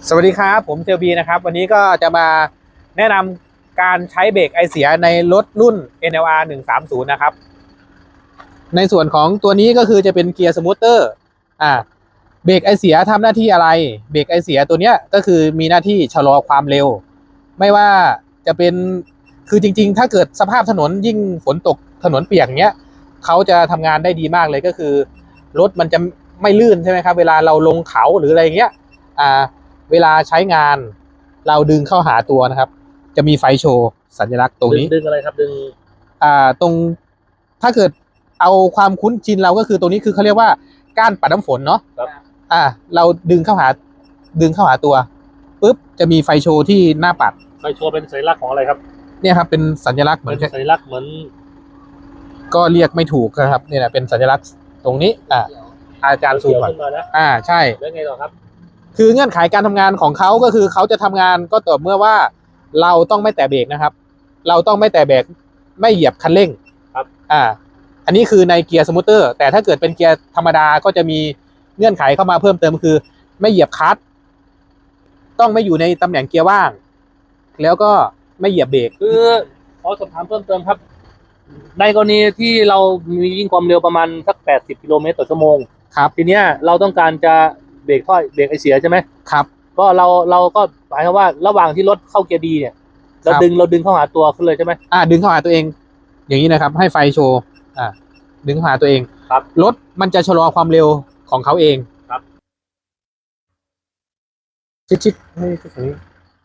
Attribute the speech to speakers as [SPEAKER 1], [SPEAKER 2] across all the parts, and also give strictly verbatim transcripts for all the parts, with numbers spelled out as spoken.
[SPEAKER 1] สวัสดีครับผมเจอบีนะครับวันนี้ก็จะมาแนะนำการใช้เบรกไอเสียในรถรุ่น เอ็น แอล อาร์ หนึ่งสามศูนย์นะครับในส่วนของตัวนี้ก็คือจะเป็นเกียร์สมูทเตอร์อ่าเบรกไอเสียทำหน้าที่อะไรเบรกไอเสียตัวเนี้ยก็คือมีหน้าที่ชะลอความเร็วไม่ว่าจะเป็นคือจริงๆถ้าเกิดสภาพถนนยิ่งฝนตกถนนเปียกเนี้ยเขาจะทำงานได้ดีมากเลยก็คือรถมันจะไม่ลื่นใช่ไหมครับเวลาเราลงเขาหรืออะไรเงี้ยอ่าเวลาใช้งานเราดึงเข้าหาตัวนะครับจะมีไฟโชว์สัญลักษณ์ตรงนี้
[SPEAKER 2] ดึงอะไรครับดึง
[SPEAKER 1] อ่าตรงถ้าเกิดเอาความคุ้นชินเราก็คือตรงนี้คือเขาเรียกว่าก้านปัดน้ำฝนเนาะ
[SPEAKER 2] ครับ
[SPEAKER 1] อ่าเราดึงเข้าหาดึงเข้าหาตัวปุ๊บจะมีไฟโชว์ที่หน้าปัด
[SPEAKER 2] ไฟโชว์เป็นสัญลักษณ์ของอะไรครับ
[SPEAKER 1] เนี่ยครับเป็นสัญลักษณ์เหมือน
[SPEAKER 2] เป็นสัญลักษณ์เหมือน
[SPEAKER 1] ก็เรียกไม่ถูกนะครับเนี่ยนะเป็นสัญลักษณ์ตรงนี้อ่าอาจารย์ซูมก่อนอ่าใช่
[SPEAKER 2] แล้วไงต่อครับ
[SPEAKER 1] คือเงื่อนไขการทำงานของเขาก็คือเขาจะทำงานก็ต่อเมื่อว่าเราต้องไม่แตะเบรกนะครับเราต้องไม่แตะเบรกไม่เหยียบคันเร่ง
[SPEAKER 2] ครับ
[SPEAKER 1] อ่าอันนี้คือในเกียร์สมูทเตอร์แต่ถ้าเกิดเป็นเกียร์ธรรมดาก็จะมีเงื่อนไขเข้ามาเพิ่มเติมคือไม่เหยียบคลัตช์ต้องไม่อยู่ในตำแหน่งเกียร์ว่างแล้วก็ไม่เหยียบเบรก
[SPEAKER 2] คือขอสอบถามเพิ่มเติมครับในกรณีที่เรามีวิ่งความเร็วประมาณสักแปดสิบกิโลเมตรต่อชั่วโมง
[SPEAKER 1] ครับ
[SPEAKER 2] ทีเนี้ยเราต้องการจะเบรกถ้อยเบรกไอเสียใช่ไหม
[SPEAKER 1] ครับ
[SPEAKER 2] ก็เราเราก็หมายความว่าระหว่างที่รถเข้าเกียร์ดีเนี่ยเราดึงเราดึงเข้าหาตัวขึ้นเลยใช่ไหม
[SPEAKER 1] อ่าดึงเข้าหาตัวเองอย่างนี้นะครับให้ไฟโชว์อ่าดึงเข้าหาตัวเอง
[SPEAKER 2] ครับ
[SPEAKER 1] รถมันจะชะลอความเร็วของเขาเอง
[SPEAKER 2] ครับ
[SPEAKER 1] ชิดๆให้ตรงนี้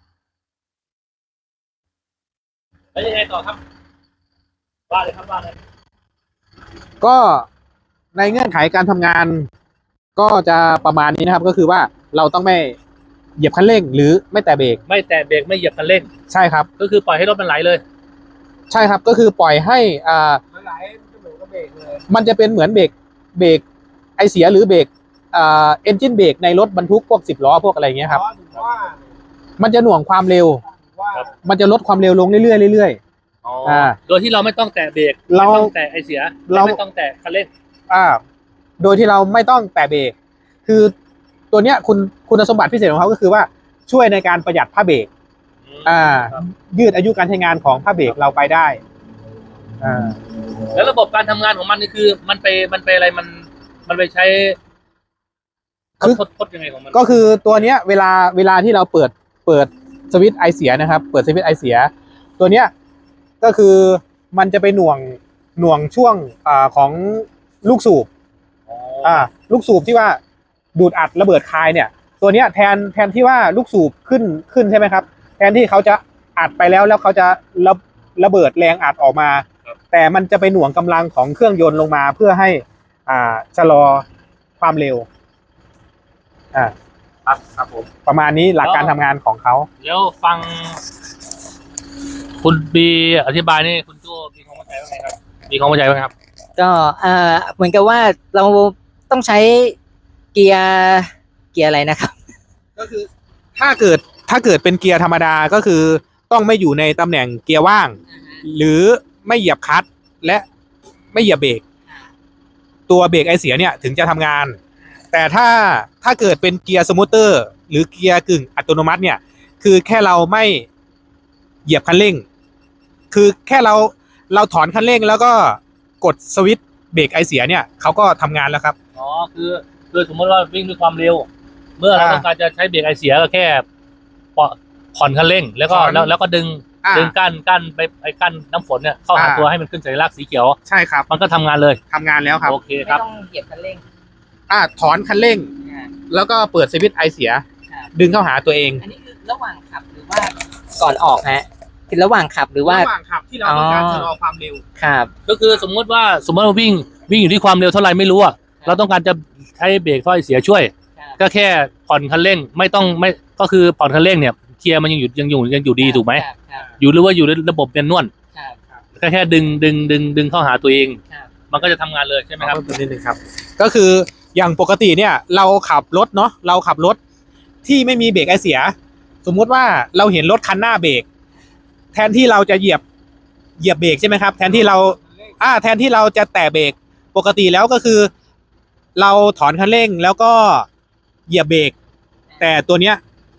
[SPEAKER 2] แล้วยังไงต่อครับว่าเลยครับว่าเลย
[SPEAKER 1] ก็ในเงื่อนไขการทำงานก็จะประมาณนี้นะครับก็คือว่าเราต้องไม่เหยียบคันเร่งหรือไม่แตะเบรก
[SPEAKER 2] ไม่แตะเบรกไม่เหยียบคันเร่ง
[SPEAKER 1] ใช่ครับ
[SPEAKER 2] ก็คือปล่อยให้รถมันไหลเลย
[SPEAKER 1] ใช่ครับก็คือปล่อยให้อ่า
[SPEAKER 2] มันไหลมันเหมือนกับเบรกเลย
[SPEAKER 1] มันจะเป็นเหมือนเบรกเบรกไอเสียหรือเบรกอ่าเอนจินเบรกในรถบรรทุกพวกสิบล้อพวกอะไรเงี้ยครับมันจะหน่วงความเร็วมันจะลดความเร็วลงเรื่อยๆเรื่อยๆอ่า
[SPEAKER 2] โดยที่เราไม่ต้องแตะเบรก
[SPEAKER 1] เรา
[SPEAKER 2] ไม่ต้องแตะไอเสียเราไม่ต้องแตะคันเร่ง
[SPEAKER 1] อ่าโดยที่เราไม่ต้องแตะเบรกคือตัวเนี้ยคุณคุณสมบัติพิเศษของเขาก็คือว่าช่วยในการประหยัดผ้าเบรกอ่ายืดอายุการใช้งานของผ้าเบรกเราไปได้อ่า
[SPEAKER 2] แล้วระบบการทำงานของมันนี่คือมันไปมันไปอะไรมันมันไปใช้
[SPEAKER 1] คือ
[SPEAKER 2] ทดทดยังไงของมัน
[SPEAKER 1] ก็คือตัวเนี้ยเวลาเวลาที่เราเปิดเปิดสวิตช์ไอเสียนะครับเปิดสวิตช์ไอเสียตัวเนี้ยก็คือมันจะไปหน่วงหน่วงช่วงอ่าของลูกสูบอ่าลูกสูบที่ว่าดูดอัดระเบิดคายเนี่ยตัวเนี้ยแทนแทนที่ว่าลูกสูบขึ้นขึ้นใช่ไหมครับแทนที่เขาจะอัดไปแล้วแล้วเขาจะระระเบิดแรงอัดออกมาแต่มันจะไปหน่วงกำลังของเครื่องยนต์ลงมาเพื่อให้อ่าชะลอความเร็วอ่า
[SPEAKER 2] ครับครับผม
[SPEAKER 1] ประมาณนี้หลักการทำงานของเขา
[SPEAKER 2] เดี๋ยวฟังคุณบีอธิบายนี่คุณโจ้มีความเข้าใจว่าไงครับมีความเข้าใจว่าไงครับ
[SPEAKER 3] ก็เอ่อเหมือนกับว่าเราต้องใช้เกียร์เกียร์อะไรนะครับ
[SPEAKER 1] ก็คือถ้าเกิดถ้าเกิดเป็นเกียร์ธรรมดาก็คือต้องไม่อยู่ในตำแหน่งเกียร์ว่างหรือไม่เหยียบคลัตช์และไม่เหยียบเบรกตัวเบรกไอเสียเนี่ยถึงจะทำงานแต่ถ้าถ้าเกิดเป็นเกียร์สมูทเตอร์หรือเกียร์กึ่งอัตโนมัติเนี่ยคือแค่เราไม่เหยียบคันเร่งคือแค่เราเราถอนคันเร่งแล้วก็กดสวิตช์เบรกไอเสียเนี่ยเขาก็ทำงานแล้วครับ
[SPEAKER 2] อ๋อคือคือสมมติว่าวิ่งด้วยความเร็วเมื่อเราต้องการจะใช้เบรกไอเสียก็แค่ผ่อนคันเร่งแล้วก็แล้วแล้วก็ดึงดึงกั้นกั้นไปไอ้กั้นน้ำฝนเนี่ยเข้าหาตัวให้มันขึ้นสัญลักษณ์สีเขียว
[SPEAKER 1] ใช่ครับ
[SPEAKER 2] มันก็ทำงานเลย
[SPEAKER 1] ทำงานแล้วครับ
[SPEAKER 2] โอเคครับ
[SPEAKER 3] ไม่ต้องเหยียบคันเร่ง
[SPEAKER 1] อ่าถอนคันเร่งแล้วก็เปิดสวิตช์ไอเสียดึงเข้าหาตัวเอง
[SPEAKER 3] อันนี้คือระหว่างขับหรือว่าก่อนออกฮะคือระหว่างขับหรือว่า
[SPEAKER 1] ระหว่างขับที่เราต้องการชะลอความเร็ว
[SPEAKER 3] ครับ
[SPEAKER 2] ก็คือสมมติว่าสมมติว่าวิ่งวิ่งอยู่ที่ความเร็วเท่าไหร่ไม่รู้อะเราต้องการจะใช้เบรกถ้อยเสียช่วยก็แค่ผ่อนคันเร่งไม่ต้องไม่ก็คือผ่อนคันเร่งเนี่ยเกียร์มันยังอยู่ยังอยู่ยังอยู่ดีถูกไหมอยู่หรือว่าอยู่ในระบบเนียนนวลก็แค่ดึงดึงดึงดึงเข้าหาตัวเองมันก็จะทำงานเลยใช่ไหมครับ
[SPEAKER 1] นิดนึงครับก็คืออย่างปกติเนี่ยเราขับรถเนาะเราขับรถที่ไม่มีเบรกไอเสียสมมุติว่าเราเห็นรถคันหน้าเบรกแทนที่เราจะเหยียบเหยียบเบรกใช่ไหมครับแทนที่เราอ่าแทนที่เราจะแตะเบรกปกติแล้วก็คือเราถอนคันเร่งแล้วก็เหยียบเบรกแต่ตัวเนี้ย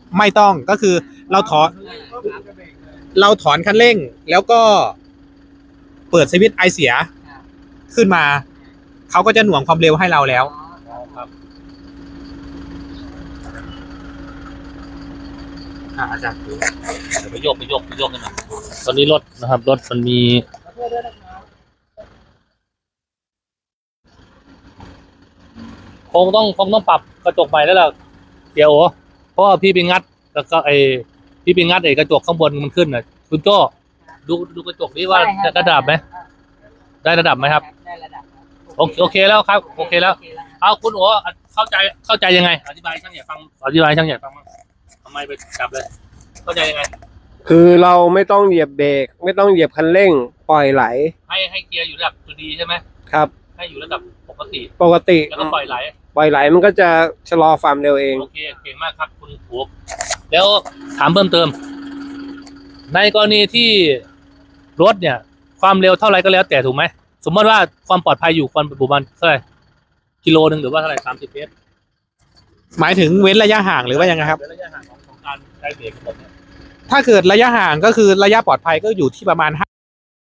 [SPEAKER 1] ไม่ต้องก็คือเราถอนเราถอนคันเร่งแล้วก็เปิดสวิตช์ไอเสียขึ้นมาเขาก็จะหน่วงความเร็วให้เราแล้วอ่าอาจารย์
[SPEAKER 2] เดี๋ยวไปโยกไปโยกไปโยกกันหน่อยตอนนี้รถนะครับรถมันมีคงต้องคงต้องปรับกระจกใหม่แล้วล่ะเสียโอเพราะว่าพี่ไปงัดแล้วก็ไอพี่ไปงัดไอกระจกข้างบนมันขึ้นน่ะคุณโจ้ดูดูกระจกนี้ว่าจะระดับไหมได้ระดับไหมครับ
[SPEAKER 3] ได้ระดับ
[SPEAKER 2] โอเคโอเคแล้วครับโอเคแล้วเอาคุณโอเข้าใจเข้าใจยังไงอธิบายช่างใหญ่ฟังอธิบายช่างใหญ่ฟังบ้างทำไมไปจับเลยเข้าใจยังไง
[SPEAKER 4] คือเราไม่ต้องเหยียบเบรกไม่ต้องเหยียบคันเร่งปล่อยไหล
[SPEAKER 2] ให้ให้เกียร์อยู่ระดับตัวดีใช่ไหม
[SPEAKER 4] ครับ
[SPEAKER 2] ให้อยู่ระดับปกติ
[SPEAKER 4] ปกติ
[SPEAKER 2] แล้วก็ปล่อยไหล
[SPEAKER 4] ปล่อยไหลมันก็จะชะลอความเร็วเอง
[SPEAKER 2] โอเคเก่งมากครับคุณโอแล้วถามเพิ่มเติม ในกรณีที่รถเนี่ย ความเร็วเท่าไรก็แล้วแต่ถูกไหมสมมติว่าความปลอดภัยอยู่ความประมาณเท่าไหร่กิโลหนึ่งหรือว่าเท่าไหร่สามสิบเมตร
[SPEAKER 1] หมายถึงเว้นระยะห่างหรือว่ายังไงครับ
[SPEAKER 2] ระยะห่างของของการใช้เบรกระบบเนี่ย
[SPEAKER 1] ถ้าเกิดระยะห่างก็คือระยะปลอดภัยก็อยู่ที่ประมาณห้า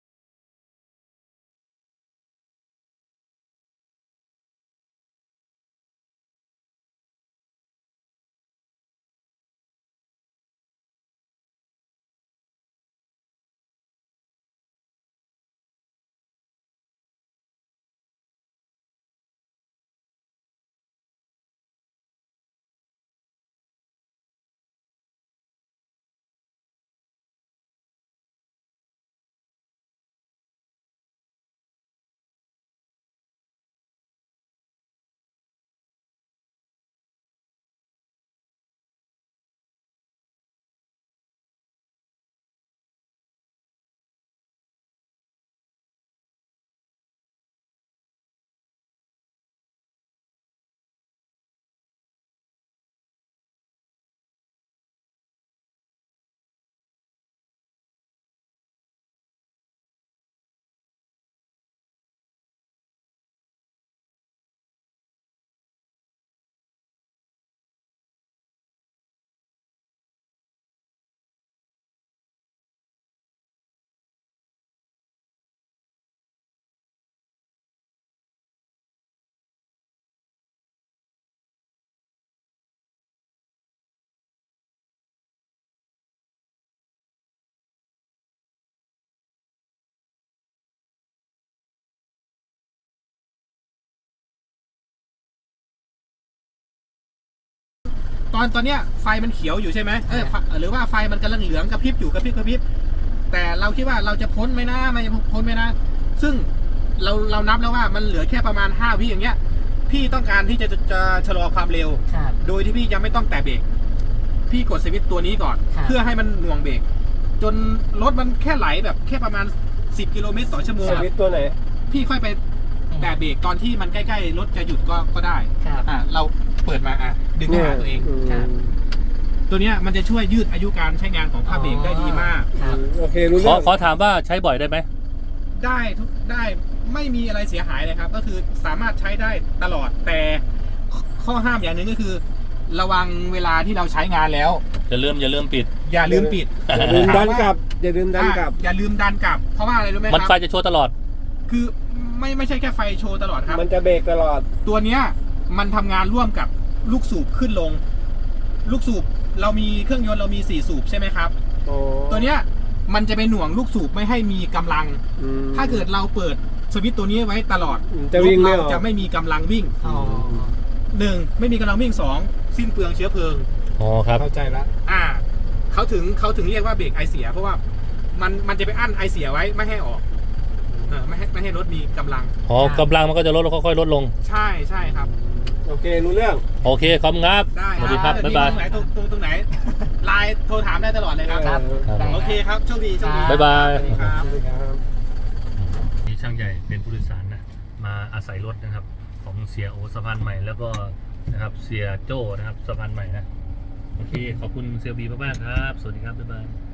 [SPEAKER 1] ตอนตอนเนี้ยไฟมันเขียวอยู่ใช่ไหมเออหรือว่าไฟมันกำลังเหลืองกระพริบอยู่กระพริบกระพริบแต่เราคิดว่าเราจะพ้นไหมนะไม่พ้นไหมนะซึ่งเราเรานับแล้วว่ามันเหลือแค่ประมาณห้าวิอย่างเงี้ยพี่ต้องการที่จะจะจะชะลอความเร็ว
[SPEAKER 3] ครับ
[SPEAKER 1] โดยที่พี่ยังไม่ต้องแตะเบรกพี่กดสวิตช์ตัวนี้ก่อน
[SPEAKER 3] ครับ
[SPEAKER 1] เพื่อให้มันหน่วงเบรกจนรถมันแค่ไหลแบบแค่ประมาณสิบกิโลเมตรต่อชั่วโมง
[SPEAKER 4] สวิตช์ตัวไหน
[SPEAKER 1] พี่ค่อยไปแตะเบรกตอนที่มันใกล้ๆรถจะหยุดก็ก็ได้
[SPEAKER 3] ครับ
[SPEAKER 1] อ่ะเราเปิดมาอ่ะดึงเข้าหาตัวเอง
[SPEAKER 4] อืม
[SPEAKER 3] ครับ
[SPEAKER 1] ตัวเนี้ยมันจะช่วยยืดอายุการใช้งานของผ้าเบรกได้ดีมาก
[SPEAKER 3] ครับ
[SPEAKER 4] โอเครู้
[SPEAKER 2] ขอ
[SPEAKER 4] เรื่อง
[SPEAKER 2] ขอถามว่าใช้บ่อยได้ไหม
[SPEAKER 1] ได้ทุกได้ไม่มีอะไรเสียหายเลยครับ ก็คือสามารถใช้ได้ตลอดแต่ข้อห้ามอย่างหนึ่งก็คือ ระวังเวลาที่เราใช้งานแล้ว
[SPEAKER 2] อย่าลืมอย่าลืมปิด
[SPEAKER 1] อย่าลืมปิด
[SPEAKER 4] อย่าลืมดันกลับอย่าลืมดันกลับ
[SPEAKER 1] อ่ะอย่าลืมดันกลับ เพราะว่าอะไรรู้ไหมค
[SPEAKER 2] มันไฟ
[SPEAKER 1] รับ
[SPEAKER 2] จะโชว์ตลอด
[SPEAKER 1] คือไม่ไม่ใช่แค่ไฟโชว์ตลอดครับ
[SPEAKER 4] มันจะเบรกตลอด
[SPEAKER 1] ตัวเนี้ยมันทำงานร่วมกับลูกสูบขึ้นลง ลูกสูบเรามีเครื่องยนต์เรามีสี่สูบใช่ไหมครับ
[SPEAKER 4] โอ้
[SPEAKER 1] ตัวเนี้ยมันจะไปหน่วงลูกสูบไม่ให้มีกำลัง
[SPEAKER 4] อืม
[SPEAKER 1] ถ้าเกิดเราเปิดสวิตช์ตัวนี้ไว้ตลอด
[SPEAKER 4] จะวิ่งไม่
[SPEAKER 1] รถ
[SPEAKER 4] อ
[SPEAKER 1] เรา
[SPEAKER 4] อก
[SPEAKER 1] จะไม่มีกำลังวิ่ง
[SPEAKER 3] อ๋อ
[SPEAKER 1] หนึ่งไม่มีกำลังวิ่งสองสิ้นเปลืองเชื้อเพลิง
[SPEAKER 2] อ๋อครับ
[SPEAKER 4] เข้าใจละ
[SPEAKER 1] อ่าเขาถึงเขาถึงเรียกว่าเบรกไอเสีย เพราะว่ามันมันจะไปอั้นไอเสียไว้ไม่ให้ออกเออไม่ให้ไม่ให้รถมีกำลัง
[SPEAKER 2] อ๋อกำลังมันก็จะลดแล้วค่อยๆลดลง
[SPEAKER 1] ใช่ใช่ครับ
[SPEAKER 4] โอเครู้เรื่อง
[SPEAKER 2] โอเคขอบคุณครับ
[SPEAKER 1] ได้
[SPEAKER 2] สวัสดีครับ
[SPEAKER 1] เออ
[SPEAKER 2] บ๊ายบาย
[SPEAKER 1] ตรงไหนตรงตรงตรงไหนไลน์โทรถามได้ตลอดเลยครับ
[SPEAKER 3] ครับ
[SPEAKER 4] เออ
[SPEAKER 3] ได้
[SPEAKER 1] โอเคครับโชคดีโชคดี
[SPEAKER 2] บ๊ายบาย
[SPEAKER 1] สวัสดีครับ
[SPEAKER 4] สวัสดีครับ
[SPEAKER 2] นี่ช่างใหญ่เป็นผู้โดยสารนะมาอาศัยรถนะครับ ของเสียโอสะพานใหม่แล้วก็นะครับเสียโจ้นะครับสะพานใหม่นะโอเคขอบคุณเซียบีมากๆครับ สวัสดีครับบ๊ายบาย